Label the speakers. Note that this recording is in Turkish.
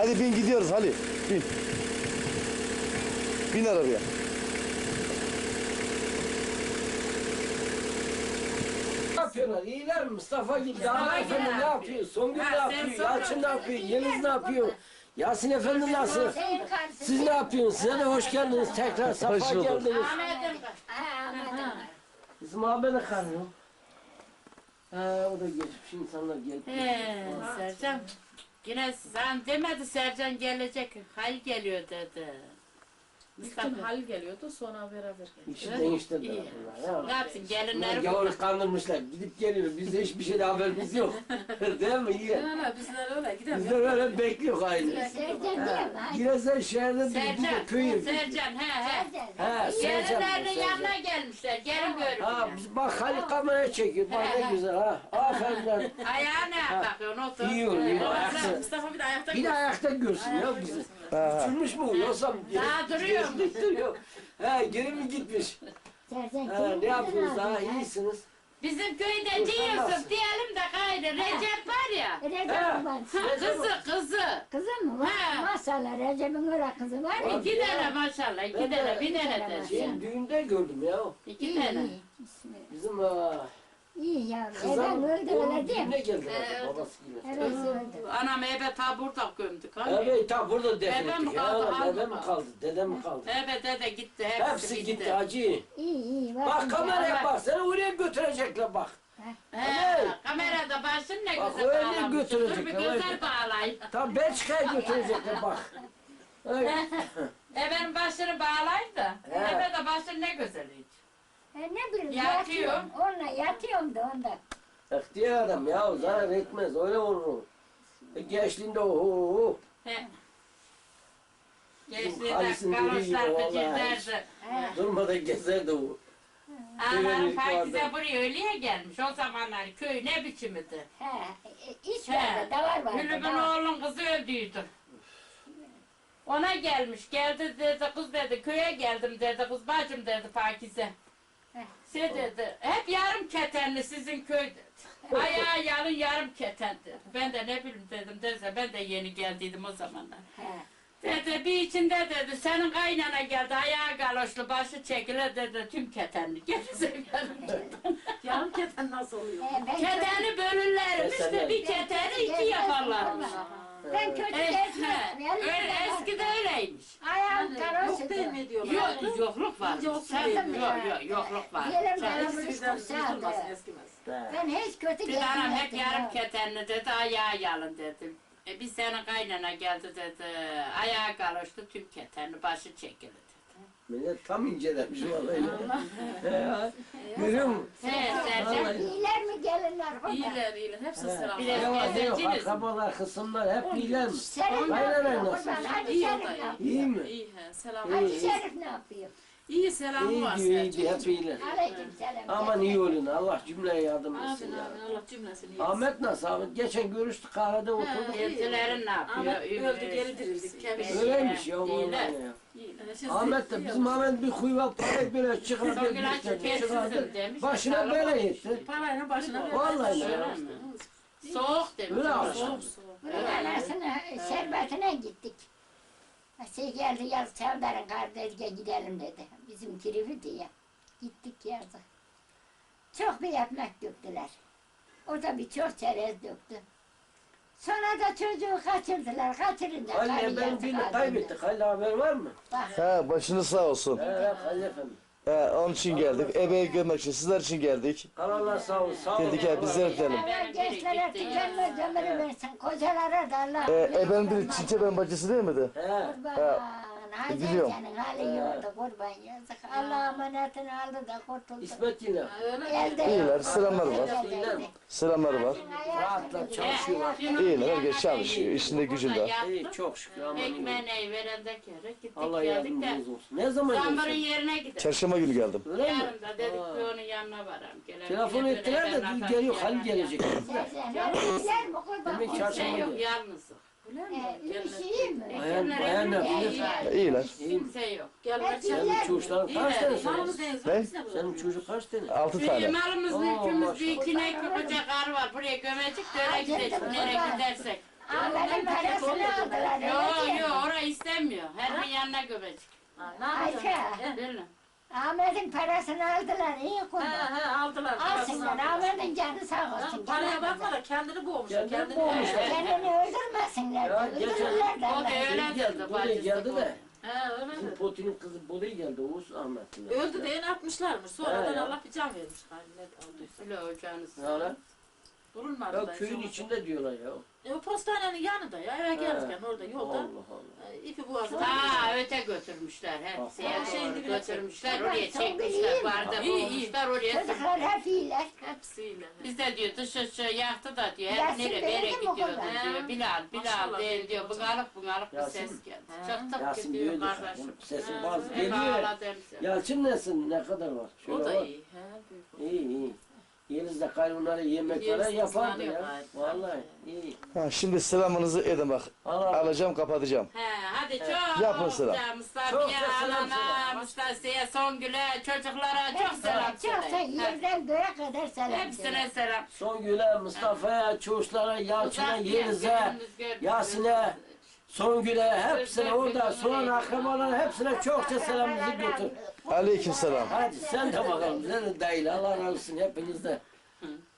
Speaker 1: Hadi bin gidiyoruz Halil. Bin. Bin arabaya.
Speaker 2: Ne yapıyorlar? İyiler mi? Mustafa gibi. Dağlar Efendi ne yapıyor? Songül ne yapıyor? Yalçın ne yapıyor? Yeliz ne yapıyor? Yasin Efendi nasıl? Siz ne yapıyorsunuz? Size de hoş geldiniz tekrar. Safa geldiniz. Bizim Ahmet'e kanıyor. O da geçmiş insanlar gelip.
Speaker 3: Sercan. Yine sen demedi Sercan gelecek. Hayır geliyor dedi.
Speaker 4: İlkin Halil geliyordu, sonra beraber geldik.
Speaker 2: İşi değiştirdiler
Speaker 3: İyi.
Speaker 2: bunlar.
Speaker 3: Ne yapsın gelinleri
Speaker 2: Gavur kandırmışlar. Gidip geliyor. Bizde hiçbir şeyde haberimiz yok. Değil mi? İyi.
Speaker 4: Bizler öyle gidelim.
Speaker 2: Bizler öyle bekliyor aynı. Giresen şehirde bir de köy.
Speaker 3: Sercan
Speaker 2: He,
Speaker 3: Gelinlerinin yanına gelmişler. Gelin görün.
Speaker 2: Ha, bak Halil kameraya çekiyor. Bak ne güzel ha. Aferin lan.
Speaker 3: Ayağına bakıyorsun otur.
Speaker 2: İyi oluyor. Ayakta.
Speaker 4: Mustafa bir de ayakta
Speaker 2: Bir de ayakta görsün ya bizi. Uçurmuş mu? Yoksa
Speaker 3: Daha duruyor mu?
Speaker 2: duruyor. He, geri mi gitmiş? Ne yapıyorsunuz daha? İyisiniz.
Speaker 3: Bizim köyde diyorsun diyelim de gayrı Recep var ya. Kızı.
Speaker 5: Kızım mı var?
Speaker 3: Ha.
Speaker 5: Maşallah Recep'in öyle kızı var mı?
Speaker 3: 2 tane maşallah. 2 tane. Bir tane de.
Speaker 2: Düğünde gördüm ya.
Speaker 3: 2 tane.
Speaker 2: Bizim
Speaker 5: İyi ya.
Speaker 2: kızım
Speaker 5: Eden öldüler değil
Speaker 2: düğüne
Speaker 5: mi?
Speaker 2: geldi babasıyla.
Speaker 5: Evet öldü.
Speaker 3: Anam eve ta burada gömdük.
Speaker 2: Evet ta burada defin
Speaker 3: Dedem
Speaker 2: ettik.
Speaker 3: kaldı,
Speaker 2: Ya,
Speaker 3: hangi
Speaker 2: dedem
Speaker 3: kaldı?
Speaker 2: kaldı, dedem kaldı.
Speaker 3: Evet dede gitti.
Speaker 2: Hepsi gitti hacı.
Speaker 5: İyi.
Speaker 2: Bak kameraya bak, seni oraya götürecekler bak.
Speaker 3: He, kamerada başın ne
Speaker 2: Bak,
Speaker 3: güzel
Speaker 2: öyle
Speaker 3: bağlamış. Dur
Speaker 2: götürecekler,
Speaker 3: bir
Speaker 2: öyle.
Speaker 3: güzel bağlayın.
Speaker 2: Tam Belçika'ya götürecekler bak. Öyle.
Speaker 3: Benim başını bağlayın da.
Speaker 2: He.
Speaker 3: Eve de başın ne güzel hiç.
Speaker 5: Ne bileyim
Speaker 3: Yatıyor.
Speaker 5: yatıyorum. Onunla yatıyorum da onda.
Speaker 2: İhtiyar adam ya, zarar etmez, öyle olur. Gençliğinde oho.
Speaker 3: He.
Speaker 2: Halis'in
Speaker 3: Gençliğinde
Speaker 2: dediği gibi
Speaker 3: garoşlar
Speaker 2: vallahi.
Speaker 3: gıcırderdi.
Speaker 2: Durmadan gezerdi o.
Speaker 3: Ağlarım
Speaker 2: Evet,
Speaker 3: Pakize
Speaker 2: vardı.
Speaker 3: buraya öyleye gelmiş. O zamanlar köy ne biçimiydi.
Speaker 5: İç
Speaker 3: He.
Speaker 5: vardı, davar vardı.
Speaker 3: Gülübün
Speaker 5: davar.
Speaker 3: oğlun kızı öldüydü. Ona gelmiş, geldi dedi, kız dedi, köye geldim dedi, kız bacım dedi Pakize. Şey dedi, hep yarım ketenli sizin köy dedi. Ayağı yalın yarım keten dedi. Ben de ne bileyim dedim, derse ben de yeni geldiydim o zamanlar.
Speaker 5: He.
Speaker 3: Dedi, bir içinde dedi, senin kaynana geldi, ayağı galoşlu, başı çekile dedi, tüm ketenli. Gerizekalı dedi.
Speaker 4: Yarım keten nasıl oluyor?
Speaker 5: Ben
Speaker 3: Keteni bölürlermiş de bir keteni iki yaparlarmış.
Speaker 5: Ben kötü gezmem.
Speaker 3: Öyle eskide öyleymiş.
Speaker 5: Ayağım
Speaker 4: Yok
Speaker 5: karıştı.
Speaker 4: değil mi diyorlar?
Speaker 3: Yok, yokluk var.
Speaker 4: İnce olsun
Speaker 3: Sen,
Speaker 4: diye.
Speaker 3: yok, yokluk var.
Speaker 5: Yerim
Speaker 3: Sen-
Speaker 5: yaramız
Speaker 4: Eskiden
Speaker 5: kurtardı.
Speaker 4: durmasın eskimez.
Speaker 5: Ben hiç kötü
Speaker 3: Dedi anam hep
Speaker 5: gezmedim.
Speaker 3: yarım ketenli dedi, ayağı yalın dedim. Bir sene kaynana geldi dedi, ayağı galoştu tüm ketenli, başı çekildi dedi.
Speaker 2: Millet tam incelemiş vallahi. Görüyor musun?
Speaker 3: He, Sercan.
Speaker 5: İyiler mi gelinler?
Speaker 4: İyiler. Hepsi selam.
Speaker 3: Bir de-
Speaker 2: Ne var ne yok,
Speaker 3: Gezenciniz.
Speaker 2: akrabalar, kısımlar hep iyiler mi?
Speaker 5: Şerif ne
Speaker 2: Aynen
Speaker 5: yapıyor?
Speaker 2: aynen.
Speaker 5: Kurban, Hacı
Speaker 4: İyi
Speaker 5: Şerif
Speaker 4: o da
Speaker 5: ne
Speaker 4: iyi.
Speaker 5: yapıyor?
Speaker 2: İyi mi?
Speaker 4: İyi selam.
Speaker 5: Hacı Şerif ne yapıyor?
Speaker 4: İyi selamı var
Speaker 2: İyi
Speaker 4: Sercan.
Speaker 2: hep iyiler.
Speaker 5: Aleyküm selam.
Speaker 2: Aman iyi olun, Allah cümleye yardım
Speaker 4: Amin
Speaker 2: etsin ya.
Speaker 4: amin Allah cümlesini iyi.
Speaker 2: Ahmet nasıl Ahmet? Geçen görüştük kahvede oturduk.
Speaker 3: Eltilerin ne yapıyor?
Speaker 4: Ahmet öldü geri dirildik.
Speaker 2: Öyleymiş ya vallahi
Speaker 3: İyiler.
Speaker 2: ya.
Speaker 4: İyiler.
Speaker 2: Ahmet de bizim Ahmet bir huyva parayı böyle çıkardı,
Speaker 3: Songül Hacı
Speaker 2: çıkardı,
Speaker 3: kessizim demiş.
Speaker 2: başına
Speaker 3: Sağlık
Speaker 2: bela
Speaker 3: olsun.
Speaker 2: etti.
Speaker 4: Parayla başına ver.
Speaker 2: Vallahi
Speaker 3: Öyle
Speaker 2: ya.
Speaker 3: mi? Soğuk demiş.
Speaker 2: Öyle abi.
Speaker 4: Soğuk soğuk.
Speaker 5: Bunun anasına şerbetine gittik. Geldi yaz Çavdar'ın kardeşine gidelim dedi. Bizim kirifi diye. Gittik yazı. Çok bir ekmek döktüler. O da bir çok çerez döktü. Sonra da çocuğu kaçırdılar. Kaçırınca
Speaker 2: Halil
Speaker 5: karı
Speaker 2: efendim
Speaker 5: yazık
Speaker 2: birini
Speaker 5: aldı.
Speaker 2: kaybettik. Halil haber var mı?
Speaker 5: Bak,
Speaker 1: He başınız sağ olsun.
Speaker 2: Evet Halil efendim.
Speaker 1: Onun için geldik. Ebeği görmek için sizler için geldik.
Speaker 2: Allah sağ olsun. Sağ olun.
Speaker 1: Dedik ya bizler gidelim.
Speaker 5: Allah gençlere tükenmez ömrü versin. Kocalara da Allah.
Speaker 1: Ebenin biri Çinçe ben bacısı değil miydi?
Speaker 2: He.
Speaker 5: Kurban. Hadi
Speaker 1: biliyorum.
Speaker 5: senin hali yoktu kurban yazık. Allah amanetini aldı da kurtuldu.
Speaker 2: İsmet yine.
Speaker 5: Elde
Speaker 1: İyiler,
Speaker 5: yok.
Speaker 1: selamlar var.
Speaker 2: İyiler mi?
Speaker 1: Selamları var.
Speaker 2: Rahatlar çalışıyorlar.
Speaker 1: İyiler, herkes çalışıyor, işinde gücünde.
Speaker 2: İyi çok şükür aman iyi.
Speaker 3: Ekmeğini verende kere gittik
Speaker 2: Allah
Speaker 3: geldik de.
Speaker 2: yardımcınız olsun. Ne zaman
Speaker 3: Zambarın
Speaker 2: gelsin?
Speaker 3: yerine gidelim.
Speaker 1: Çarşamba günü geldim.
Speaker 2: Öyle mi?
Speaker 3: Yarın da dedik ki onun yanına varalım. Gelelim.
Speaker 2: Telefon ettiler de dün geliyor Halil gelecek.
Speaker 5: Öğrenciler mi kurban?
Speaker 2: Demek çarşamba
Speaker 3: Kimse yok
Speaker 2: günü.
Speaker 3: yalnız.
Speaker 5: İşi iyi mi?
Speaker 2: Bayan ne bilir?
Speaker 1: İyiler.
Speaker 3: Kimse yok.
Speaker 4: Gel
Speaker 2: Senin çocukların kaç tane senin?
Speaker 1: Ne?
Speaker 2: Senin çocuk kaç tane?
Speaker 1: 6
Speaker 3: Bir
Speaker 1: tane.
Speaker 3: malımız
Speaker 2: Oo,
Speaker 3: mülkümüz
Speaker 2: maşallah.
Speaker 3: bir iki ne koca kar var. Buraya gömecek de öyle gidecek. Nereye gidersek.
Speaker 5: Ahmet'in parasını aldılar.
Speaker 3: Yok yok orayı istemiyor. Her bir yanına göbecik.
Speaker 5: Ayşe,
Speaker 3: Bilin.
Speaker 5: Ahmet'in parasını aldılar. İyi kurban.
Speaker 4: Aldılar.
Speaker 5: Alsınlar. Ahmet'in canı sağ olsun.
Speaker 4: Paraya bakma da kendini boğmuş.
Speaker 2: Kendini boğmuş.
Speaker 5: Kendini öldürmesinler.
Speaker 2: Ya,
Speaker 5: de,
Speaker 2: geçen-
Speaker 5: öldürürler de
Speaker 3: O da
Speaker 5: Allah.
Speaker 3: öyle
Speaker 2: geldi,
Speaker 3: dedi.
Speaker 2: buraya geldi de.
Speaker 4: He öyle
Speaker 2: Bizim
Speaker 4: mi?
Speaker 2: Potin'in kızı buraya geldi. Oğuz Ahmet'in.
Speaker 4: Öldü diye ne yapmışlarmış. Sonradan
Speaker 2: He ya.
Speaker 4: Allah bir can vermiş. Ne olduysa.
Speaker 3: Öyle olacağınız.
Speaker 2: Ya lan.
Speaker 4: Durulmadı
Speaker 2: Ya
Speaker 4: da.
Speaker 2: köyün
Speaker 4: sonra.
Speaker 2: içinde diyorlar ya.
Speaker 4: O postanenin yanında ya. Eve gelirken orada yolda.
Speaker 2: Allah Allah.
Speaker 4: İpi boğazına.
Speaker 3: Ha öte götürmüşler. Hepsi
Speaker 2: Ha,
Speaker 3: doğru
Speaker 4: dibine
Speaker 3: götürmüşler.
Speaker 5: çekmişler.
Speaker 3: Oraya
Speaker 5: Çok
Speaker 3: çekmişler.
Speaker 5: iyi.
Speaker 3: Barda
Speaker 4: İyi, iyi.
Speaker 3: bulmuşlar oraya.
Speaker 5: Çocuklar hep iyiler.
Speaker 4: Hepsiyle.
Speaker 3: Biz de diyor dışı yaktı da diyor. Hep
Speaker 5: Yasin
Speaker 3: nereye
Speaker 5: benim
Speaker 3: nereye
Speaker 5: de bu
Speaker 3: gidiyordu
Speaker 5: kadar.
Speaker 3: diyor. Bilal
Speaker 4: Maşallah
Speaker 3: değil diyor.
Speaker 4: benim
Speaker 3: Bungalık bir
Speaker 2: Yasin.
Speaker 3: ses geldi.
Speaker 4: He.
Speaker 3: Çok tık
Speaker 2: Yasin
Speaker 3: gidiyor
Speaker 2: büyüdü.
Speaker 3: kardeşim.
Speaker 2: Sesin bazı
Speaker 3: Hep
Speaker 2: geliyor.
Speaker 3: ağladım.
Speaker 2: Yalçın nesin? Ne kadar var?
Speaker 4: O
Speaker 2: Şöyle
Speaker 4: da
Speaker 2: var.
Speaker 4: iyi. He, büyük.
Speaker 2: İyi iyi. Yeniz de kaynonlara yemek
Speaker 4: Yeniz
Speaker 2: falan yapardı
Speaker 4: kızlanıyor
Speaker 2: ya.
Speaker 4: gayet.
Speaker 2: Vallahi iyi.
Speaker 1: Ha, şimdi selamınızı edin bak.
Speaker 2: Allah
Speaker 1: Alacağım kapatacağım.
Speaker 3: He hadi çok
Speaker 1: Yapın selam.
Speaker 3: güzel.
Speaker 2: Çok
Speaker 3: Mustafa'ya,
Speaker 2: da selam
Speaker 3: anana,
Speaker 2: söyle.
Speaker 3: Mustafa'ya, Songül'e, çocuklara çok selam
Speaker 5: Çok
Speaker 3: söyle. He.
Speaker 5: yerden göğe kadar selam
Speaker 3: Hepsine selam.
Speaker 2: Songül'e, Mustafa'ya, Çavuşlara, Yalçın'a,
Speaker 3: Uzak
Speaker 2: Yeniz'e,
Speaker 3: gördünüz, gördünüz.
Speaker 2: Yasin'e, Songül'e, hepsine orada soğan akrabalara hepsine çokça selamımızı götür.
Speaker 1: Aleyküm selam.
Speaker 2: Hadi sen de bakalım. Sen de dahil. Allah razı olsun hepinizde.